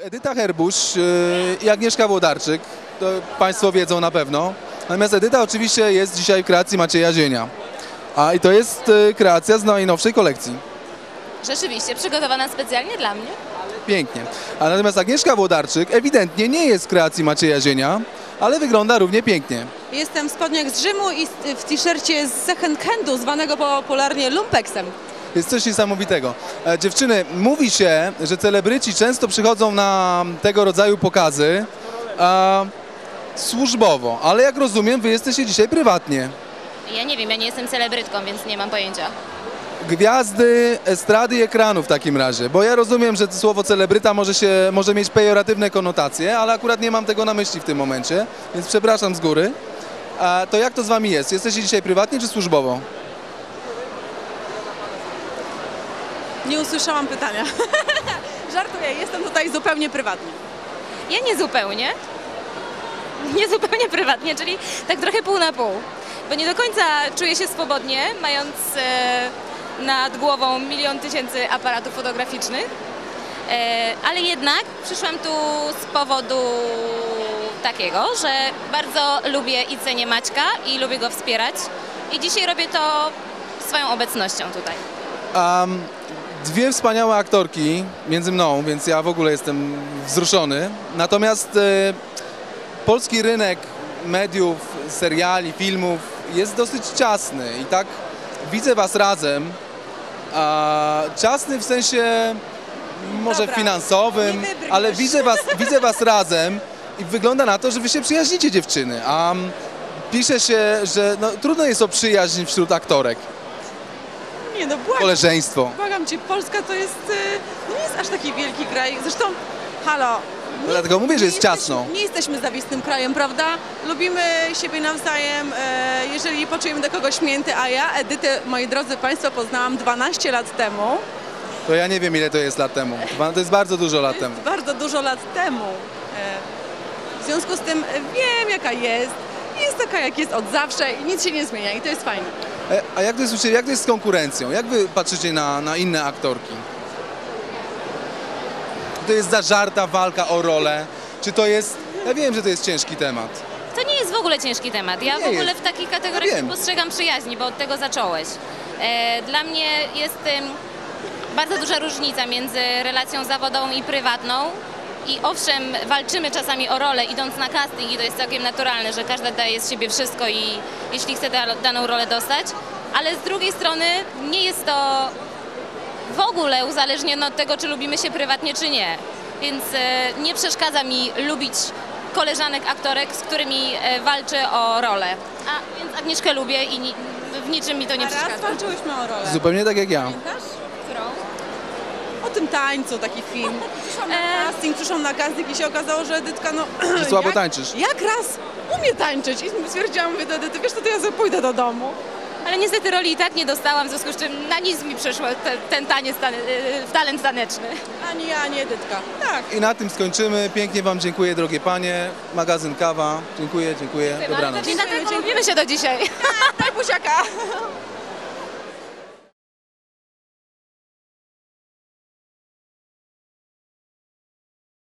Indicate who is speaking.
Speaker 1: Edyta Herbusz i Agnieszka Włodarczyk, to Państwo wiedzą na pewno. Natomiast Edyta oczywiście jest dzisiaj w kreacji Macieja Zienia. I to jest kreacja z najnowszej kolekcji.
Speaker 2: Rzeczywiście, przygotowana specjalnie dla mnie.
Speaker 1: Pięknie. A natomiast Agnieszka Włodarczyk ewidentnie nie jest w kreacji Macieja Zienia, ale wygląda równie pięknie.
Speaker 3: Jestem w spodniach z Rzymu i w t-shircie z second handu, zwanego popularnie lumpeksem.
Speaker 1: Jest coś niesamowitego. Dziewczyny, mówi się, że celebryci często przychodzą na tego rodzaju pokazy służbowo, ale jak rozumiem, wy jesteście dzisiaj prywatnie.
Speaker 2: Ja nie wiem, ja nie jestem celebrytką, więc nie mam pojęcia.
Speaker 1: Gwiazdy estrady i ekranu w takim razie, bo ja rozumiem, że słowo celebryta może mieć pejoratywne konotacje, ale akurat nie mam tego na myśli w tym momencie, więc przepraszam z góry. To jak to z wami jest? Jesteście dzisiaj prywatnie czy służbowo?
Speaker 3: Nie usłyszałam pytania. Żartuję, jestem tutaj zupełnie prywatnie.
Speaker 2: Ja nie zupełnie. Nie zupełnie prywatnie, czyli tak trochę pół na pół. Bo nie do końca czuję się swobodnie, mając nad głową 1 000 000 aparatów fotograficznych. Ale jednak przyszłam tu z powodu takiego, że bardzo lubię i cenię Maćka i lubię go wspierać. I dzisiaj robię to swoją obecnością tutaj.
Speaker 1: Dwie wspaniałe aktorki między mną, więc ja w ogóle jestem wzruszony. Natomiast polski rynek mediów, seriali, filmów jest dosyć ciasny i tak widzę was razem. Ciasny w sensie może finansowym, ale widzę was razem i wygląda na to, że wy się przyjaźnicie, dziewczyny. Pisze się, że trudno jest o przyjaźń wśród aktorek.
Speaker 3: Nie no,
Speaker 1: Koleżeństwo.
Speaker 3: Błagam cię, Polska to jest, nie jest aż taki wielki kraj. Zresztą, halo.
Speaker 1: Dlatego mówię, że jest ciasno.
Speaker 3: Nie jesteśmy zawistnym krajem, prawda? Lubimy siebie nawzajem, jeżeli poczujemy do kogoś mięty, a ja Edytę, moi drodzy Państwo, poznałam 12 lat temu.
Speaker 1: To ja nie wiem, ile to jest lat temu. To jest bardzo dużo lat temu.
Speaker 3: Bardzo dużo lat temu. W związku z tym wiem, jaka jest. Jest taka, jak jest od zawsze i nic się nie zmienia i to jest fajne.
Speaker 1: A jak to jest z konkurencją? Jak wy patrzycie na inne aktorki? To jest zażarta walka o rolę? Czy to jest... Ja wiem, że to jest ciężki temat.
Speaker 2: To nie jest w ogóle ciężki temat. Ja w ogóle w takich kategoriach nie postrzegam przyjaźni, bo od tego zacząłeś. Dla mnie jest bardzo duża różnica między relacją zawodową i prywatną. I owszem, walczymy czasami o rolę, idąc na casting i to jest całkiem naturalne, że każda daje z siebie wszystko i jeśli chce daną rolę dostać, ale z drugiej strony nie jest to w ogóle uzależnione od tego, czy lubimy się prywatnie, czy nie. Więc nie przeszkadza mi lubić koleżanek, aktorek, z którymi walczę o rolę. Więc Agnieszkę lubię i w niczym mi to nie przeszkadza.
Speaker 3: Raz walczyłyśmy o rolę.
Speaker 1: Zupełnie tak jak ja.
Speaker 3: Pamiętasz?
Speaker 2: Którą?
Speaker 3: O tym tańcu, taki film. Przyszłam na casting i się okazało, że Edytka,
Speaker 1: Że słabo tańczysz.
Speaker 3: Jak raz umie tańczyć i stwierdziłam, mówię do Edyty, wiesz co, to ja sobie pójdę do domu.
Speaker 2: Ale niestety roli i tak nie dostałam, w związku z czym na nic mi przyszło ten taniec, talent taneczny.
Speaker 3: Ani ja, ani Edytka. Tak.
Speaker 1: I na tym skończymy. Pięknie wam dziękuję, drogie panie. Magazyn Kawa. Dziękuję. Dobranoc.
Speaker 2: Dlatego lubimy się do dzisiaj.
Speaker 3: Daj buziaka.